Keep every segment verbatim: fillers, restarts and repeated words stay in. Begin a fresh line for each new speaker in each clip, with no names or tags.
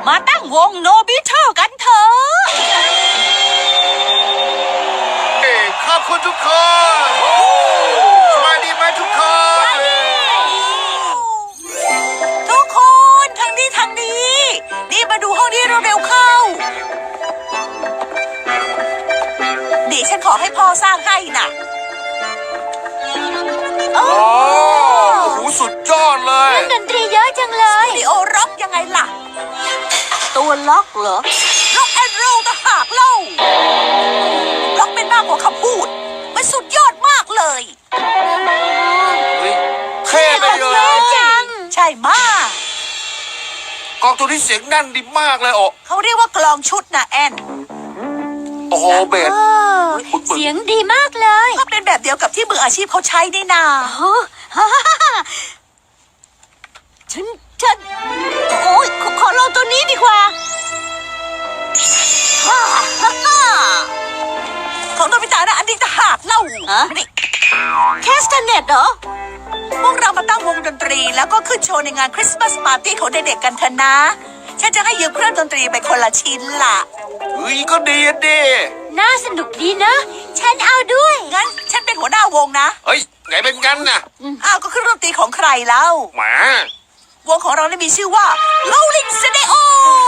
มาตั้งวงโนบิเทอร์กันเถอะ
ขอบคุณทุกคนสบายดีไหมทุกคน
ทุกคนทางนี้ทางนี้นี่มาดูห้องนี้เร็วๆเข้าดิฉันขอให้พ่อสร้างให้น่ะ
โอ้โหสุดยอดเลย
ดนตรีเยอะจังเลย
สตูดิโอร็อกยังไงล่ะ
ตัวล็อกเหรอ
ล็อกแอนด์โรลต่างหากเล่าล็อกเป็นมากกว่าคำพูดมันสุดยอดมากเลย
เท่ไปเลย
ใช่มาก
กองตัวนี้เสียงแน่นดีมากเลยโอ้
เขาเรียกว่ากลองชุดนะแอน
โอ้โหเบส
เสียงดีมากเลย
ก็เป็นแบบเดียวกับที่มืออาชีพเขาใช้นี่นา
ฉันฉันโอ้ยขอลองตัวนี้ดีกว่า
ของโนบิตะนะอันนี้ต่างหากเล่า
แคสเตเน็ตเหรอ
พวกเรามาตั้งวงดนตรีแล้วก็ขึ้นโชว์ในงานคริสต์มาสปาร์ตี้ของเด็กๆกันเถอะนะฉันจะให้ยืมเครื่องดนตรีไปคนละชิ้นล่ะ
เฮ้ยก็ดีดี
น่าสนุกดีนะฉันเอาด้วย
งั้นฉันเป็นหัวหน้าวงนะ
เฮ้ยไงเป็นกันน่ะ
อ้าวก็เครื่องดนตรีของใครเล่า
หมาว
งของเราได้มีชื่อว่า Rolling Studios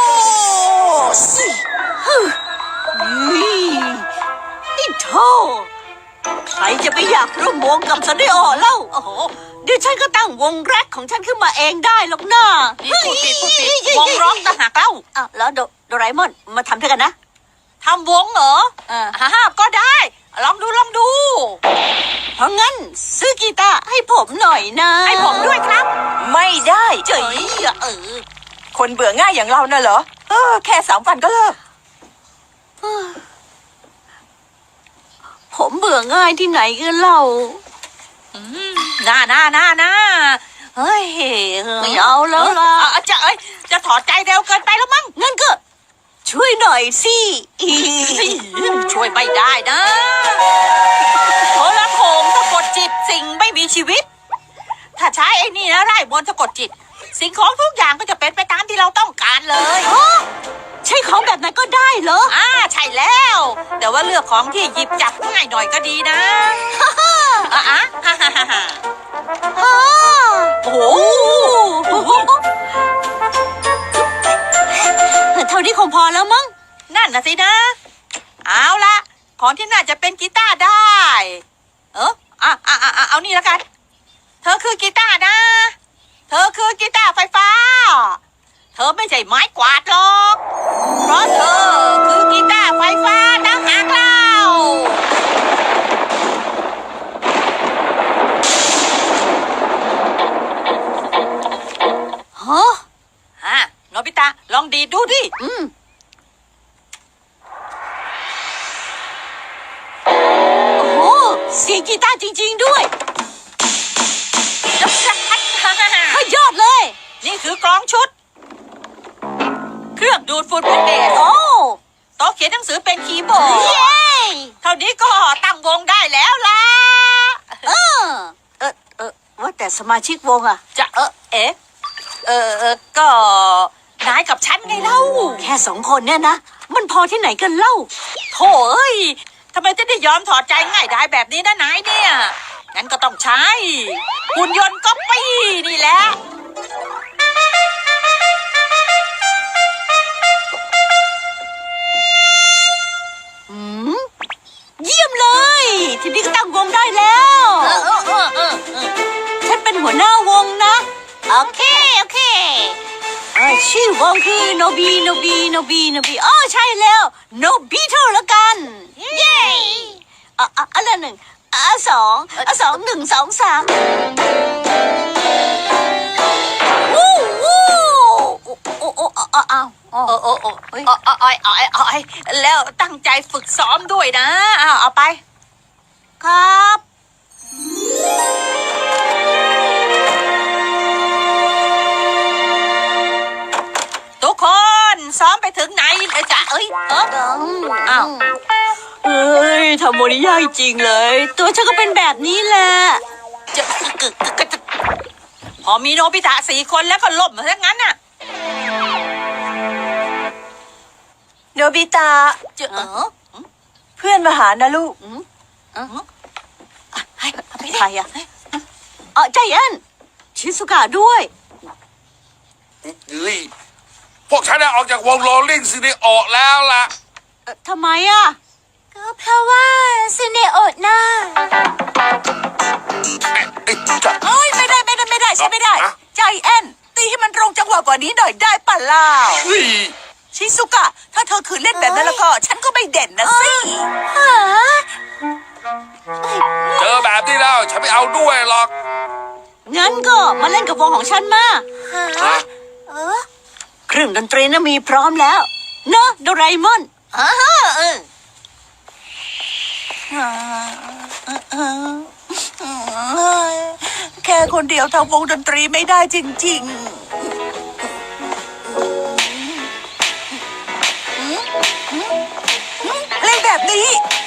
นี่โธ่ใครจะไปอยากร่วมวงกับสเดโอเล่าโอ้โหเดี๋ยวฉันก็ตั้งวงแรกของฉันขึ้นมาเองได้หรอกนะ
นี่พูดผิดพูดผิดวงร็อกต่างหากเล่า
อ่ะแล้วโดโดราเอมอนมาทำด้วยกันนะ
ทำวงเหรออ่าฮ่าก็ได้ลองดูลองดู
เพราะงั้นซื้อกีตาร์ให้ผมหน่อยนะ
ให้ผมด้วยครับ
ไม่ได้
เจ๋ยเออคนเบื่อง่ายอย่างเราน่ะเหรอเออแค่สามวันก็เลิก
ผมเบื่อง่ายที่ไหนกันเล่า
น่าน่าน่าน่าเฮ้ย
ไม่เอาแล้วล่ะ
จะเอ้ยจะถอดใจเร็วเกินไปแล้วมั้ง
งั้นก็ช่วยหน่อยสิ
ช่วยไม่ได้นะโทรโขงสะกดจิตสิ่งไม่มีชีวิตถ้าใช้ไอ้นี่นะไร่มนต์สะกดจิตสิ่งของทุกอย่างก็จะเป็นไปตามที่เราต้องการเลย
ใช้ของแบบนั้นก็ได้เหรอ
อ่าใช่แล้วแต่ว่าเลือกของที่หยิบจับง่ายหน่อยก็ดีนะอ่ะอ่ะฮ่าฮ่าฮ่าฮ่าโอ้โห
เท่านี้คงพอแล้วมั้ง
นั่นน่ะสินะเอาละของที่น่าจะเป็นกีตาร์ได้เอออ่ะอ่ะอ่ะเอานี่แล้วกันเธอคือกีตาร์นะเธอคือกีตาร์ไฟฟ้าเธอไม่ใช่ไม้กวาดหรอกเพราะเธอคือกีตาร์ไฟฟ้าต่างหากเรา
ฮะ
ฮะโนบิตะลองดีดดูดิ
อืมโอ้โหเสียงกีตาร์จริงๆด้วยยอดเลย
นี่คือกลองชุดเครื่องดูดฝุ่นเป็นเบส
โอ้
โต๊ะเขียนหนังสือเป็นคีย์บอร์ด
เย้
เท่านี้ก็ตั้งวงได้แล้วล่ะ
เออเออเออว่าแต่สมาชิกวงอะ
จะเออเอ๊ะเออเออก็นายกับฉันไงเล่า
แค่สองคนเนี่ยนะมันพอที่ไหนกันเล่า
โถ่เอ้ยทำไมจะได้ยอมถอดใจง่ายได้แบบนี้นะนายเนี่ยงั้นก็ต้องใช้หุ่นยนต์ก๊อปปี้นี่แหละ
อืมเยี่ยมเลยทีนี้ก็ตั้งวงได้แล้ว
เออเออเออเออ
ฉันเป็นหัวหน้าวงนะโอเคโอเคชื่อวงคือโนบีโนบีโนบีโนบีอ๋อใช่แล้วโนบิเท่าละกันเย้อ่ะอ่ะอันละหนึ่งอ่ะสองอ่ะสองหนึ่งสองสามวู้วู้โอ้โอ้โอ้อ้าว
โอ้โอ้โอ้เอ้ยอ้อยอ้อยอ้อยแล้วตั้งใจฝึกซ้อมด้วยนะเอาเอาไป
ครับ
ทุกคนซ้อมไปถึงไหนเลยจ๊ะเอ้ยเอออ้าว
เฮ้ยทำโมนิยากจริงเลยตัวฉันก็เป็นแบบนี้แหละ
จะพอมีโนบิตะสี่คนแล้วก็ล่มซะงั้นน่ะ
บิตะ
เจอเออ
เพื่อนมาหานะลูก
ให้ไป
ใครอะเออใจแอนชิสุกะด้วย
เฮ้ยพวกฉันได้ออกจากวงโรลลิ่งซินิโอแล้วล่ะ
เอ่อทำไมอะ
ก็เพราะว่าซูเนโอะน่า
เอ๊ะเอ๊ะจะ
เอ้ยไม่ได้ไม่ได้ไม่ได้ใช่ไม่ได้
อะ
ใจแอนตีให้มันตรงจังหวะกว่านี้หน่อยได้ป่ะล่ะ
เฮ้ย
ชิซุกะ ถ้าเธอคืนเล่นแบบนั้นแล้วก็ ฉันก็ไม่เด่นนะสิ
หา
เจอแบบนี้แล้วฉันไม่เอาด้วยหรอก
งั้นก็มาเล่นกับวงของฉันมา
หา
นะ
เออ
เครื่องดนตรีน่ะมีพร้อมแล้ว เนอะโดราเอมอน
อ่าฮะเออแค่คนเดียวทำวงดนตรีไม่ได้จริงๆเล่นแบบนี้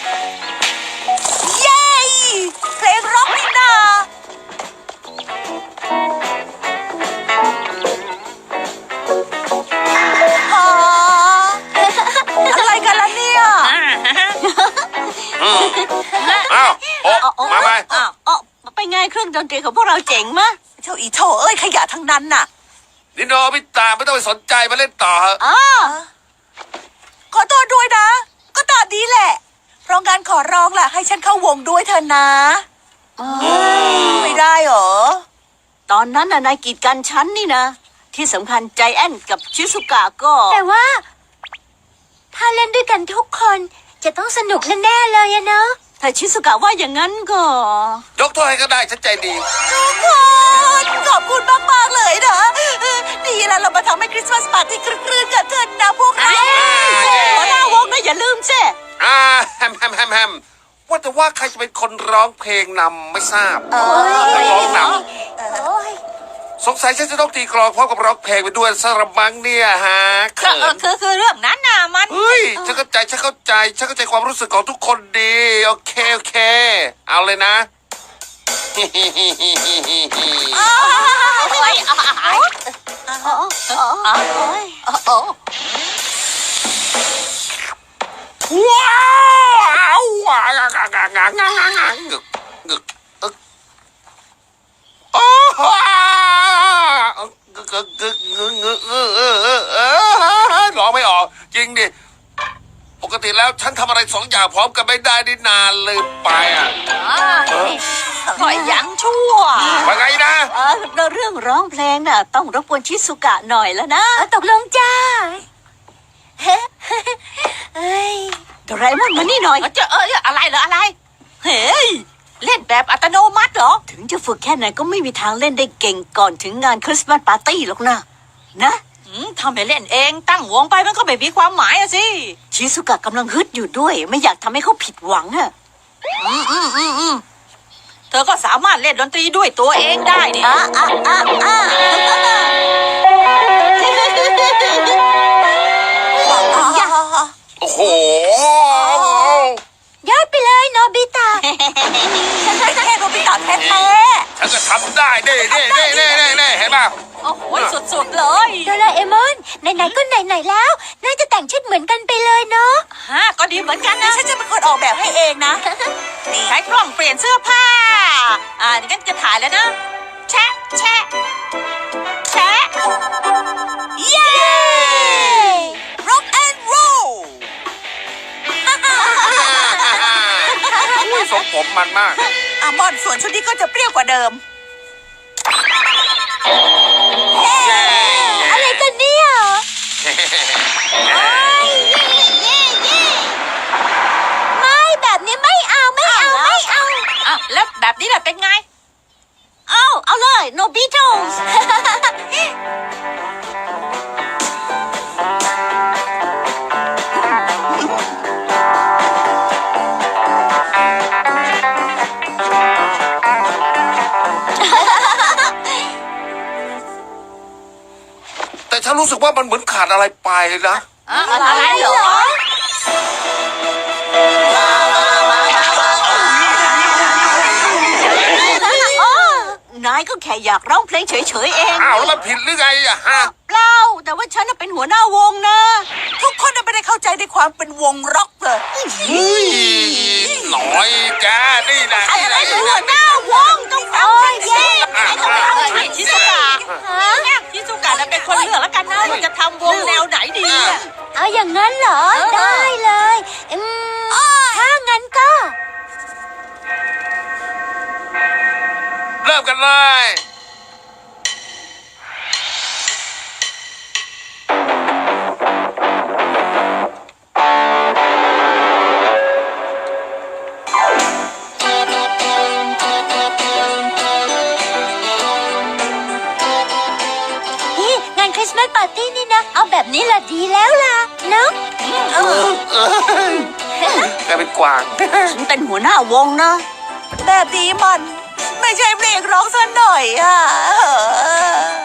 เย้ เพลงร็อกนี่นาฮะอะไรกันล่ะเนี่ย
อ้าวโอ้มาไหม
อ้าวอ๋อไปไงเครื่องดนตรีของพวกเราเจ๋งมะ
เจ้าอีโถเอ้ยขยะทั้งนั้นน่ะ
นิโนบิตาไม่ต้องไปสนใจมาเล่นต่อเถอะ
อ๋อ
ขอโทษด้วยนะ ก็ตามนี้แหละ เพราะงั้นขอร้องล่ะ ให้ฉันเข้าวงด้วยเถอะนะ ไม่ได้เหรอ
ตอนนั้นน่ะนายกีดกันฉันนี่นะ ที่สำคัญใจแอนกับชิสุกะก็
แต่ว่า ถ้าเล่นด้วยกันทุกคนจะต้องสนุกแน่ๆเลยอะเนาะ
ถ้าชิสุกะว่าอย่างนั้นก็
ยกโทษให้ก็ได้ฉันใจดี
ทุกคนขอบคุณมากๆเลยนะดีแล้วเรามาทำให้คริสต์มาสปาร์ตี้ครึ้นๆกันเถอะนะพวกเรา
หัวหน้าวงนะอย่าลืมสิ
อ่าแฮมแฮมแฮมแฮมว่าแต่ว่าใครจะเป็นคนร้องเพลงนำไม่ทราบ
เอ
นักร้องน
โอ้ย
ำสงสัยฉันจะต้องตีกลองพร้อมกับร้องเพลงไปด้วยสระมังเนี่ยฮะ
เอ
เขิ
อน คือคือเรื่องนั้นน่ะมัน
เฮ้ยฉันเข้าใจฉันเข้าใจฉันเข้าใจความรู้สึกของทุกคนดีโอเคโอเค เอาเลยนะ
โอ้ยอ๋อ
อ๋ออ๋อโอ้ย
อ๋อ
ว้าวว้าวงางางางางางางงึกงึกอึกโอ้กึกกึกกึกงึกงึกเออเออเออเออร้องไม่ออกจริงดิปกติแล้วฉันทำอะไรสองอย่างพร้อมกันไม่ได้นี่นานเลยไปอ่ะ
ก็ยังชั่ว
ว่าไงนะ
เออเรื่องร้องเพลงน่ะ ต้องรบกวนชิสุกะหน่อยแล้วนะ
เอาตกลงจ้าเฮ้ย
โดราเอมอนมานี่หน่อย
เจอเอออะไรเหรออะไร
เฮ้ย
เล่นแบบอัตโนมัติเหรอ
ถึงจะฝึกแค่ไหนก็ไม่มีทางเล่นได้เก่งก่อนถึงงานคริสต์มาสปาร์ตี้หรอกนะ นะ
อืมทำไปเล่นเองตั้งวงไปมันก็ไม่มีความหมายอะสิ
ชิสุกะกำลังฮึดอยู่ด้วย ไม่อยากทำให้เขาผิดหวังอะ
อืมอืมอืมอืมเธอก็สามารถเล่นดนตรีด้วยตัวเองได้นี่
อ่ะอ่ะอ่ะอ่ะ
โอ้โห
ยอดไปเลยโนบิตะ
แค่โนบิตะแท้
ฉันก็ทำได้เด้เด้เด้เด้เด้เด้เห็นป่ะ
ๆโอ้โหสุดๆเลย
โดราเอมอนไหนๆก็ไหนๆแล้ว น่าจะแต่งชุดเหมือนกันไปเลยเนาะ
ฮะก็ดีเหมือนกันนะ
ฉันจะเป็นคนออกแบบให้เองนะ
ใช้กล้องเปลี่ยนเสื้อผ้า อ่างั้นจะถ่ายแล้วนะ แชะ แชะ แชะ เย้ rock and roll
อุ้ยทรงผมมันมาก
อ่ะบอลส่วนชุดนี้ก็จะเปรี้ยวกว่าเดิม
เย้
อะไรกันเนี่ยไม่แบบนี้ไม่เอาไม่เอาไม่เอา
อ่ะ แล้วแบบนี้แหละเป็นไง
เอาเอาเลย no Beatles
แต่ฉันรู้สึกว่ามันเหมือนขาดอะไรไปนะ
อ่ะอะไรเหรอ
นายก็แค่อยากร้องเพลงเฉยๆเอง
อ้าวแล้วมันผิดหรือไงอะฮะ
เปล่าแต่ว่าฉันน่ะเป็นหัวหน้าวงนะ
ทุกคนน่ะไม่ได้เข้าาใจในความเป็นวงร็อกเลย
เฮ้ยหน่อยแกนี่นะ
ไอ้
นี่
อะไร
นะ
หัวหน้าวงต้องฟังฉันสิไอ้ต้องฟังฉันชิซุกะชิซุกะจะเป็นคนเลือกแล้วกันนะว่าจะทำวงแนวไหนดีอะ
เอาอย่างนั้นเหรอ ได้เลยอืมถ้างั้นก็
เริ่มกันเลย
นี่งานคริสต์มาสปาร์ตี้นี่นะ เอาแบบนี้แหละดีแล้วล่ะเนาะ
เออแกเป็นกวาง
ฉันเป็นหัวหน้าวงนะแบบนี้มันไม่ใช่เพลงร้องซะหน่อยอ่ะ